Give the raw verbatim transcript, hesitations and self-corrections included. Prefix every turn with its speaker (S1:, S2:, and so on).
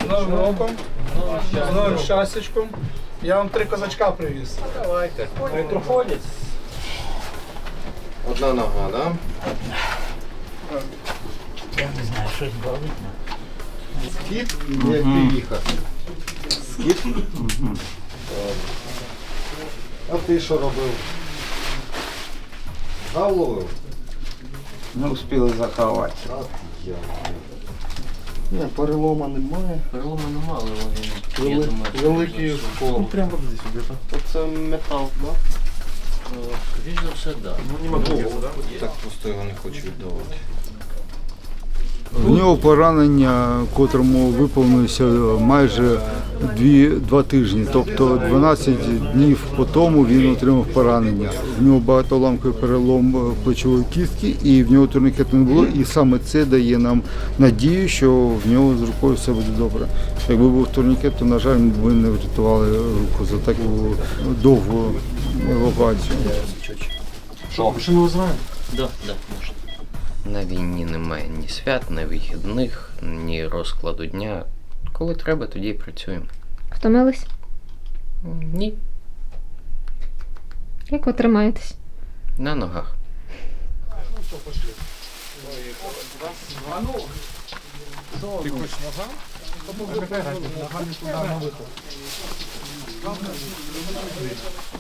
S1: Новим роком, з новим щастячком. Я вам три козачка привіз.
S2: Давайте.
S1: Труходять.
S2: Одна нога, да?
S3: Я не знаю, щось болить.
S2: Скіт, як приїхати. Скіт? А ти що робив? Гав ловив?
S4: Не успіли заховати.
S2: Так, я. Ні, перелома немає.
S3: Перелому нема, але він, я
S2: Вели-
S3: думаю, що
S2: великий
S3: це
S2: скол.
S5: Прямо вот здесь где-то.
S2: Оце метал, так?
S3: Е, скоріш за все, так.
S5: Ну не могу.
S2: Так просто його не хочу віддавати.
S6: В нього поранення, котрому виповнилося майже дві, два тижні, тобто дванадцять днів по тому він отримав поранення. В нього багатоламковий перелом плечової кістки і в нього турнікету не було. І саме це дає нам надію, що в нього з рукою все буде добре. Якби був турнікет, то, на жаль, ми б не врятували руку за таку довгу евакуацію.
S5: Что, машину вызываем?
S3: Да, да, можна.
S7: На війні немає ні свят, ні вихідних, ні розкладу дня. Коли треба, тоді і працюємо.
S8: Втомились?
S7: Ні,
S8: Як ви тримаєтесь?
S7: на ногах.
S1: Ти хочеш нога? Нога не туди, на виход.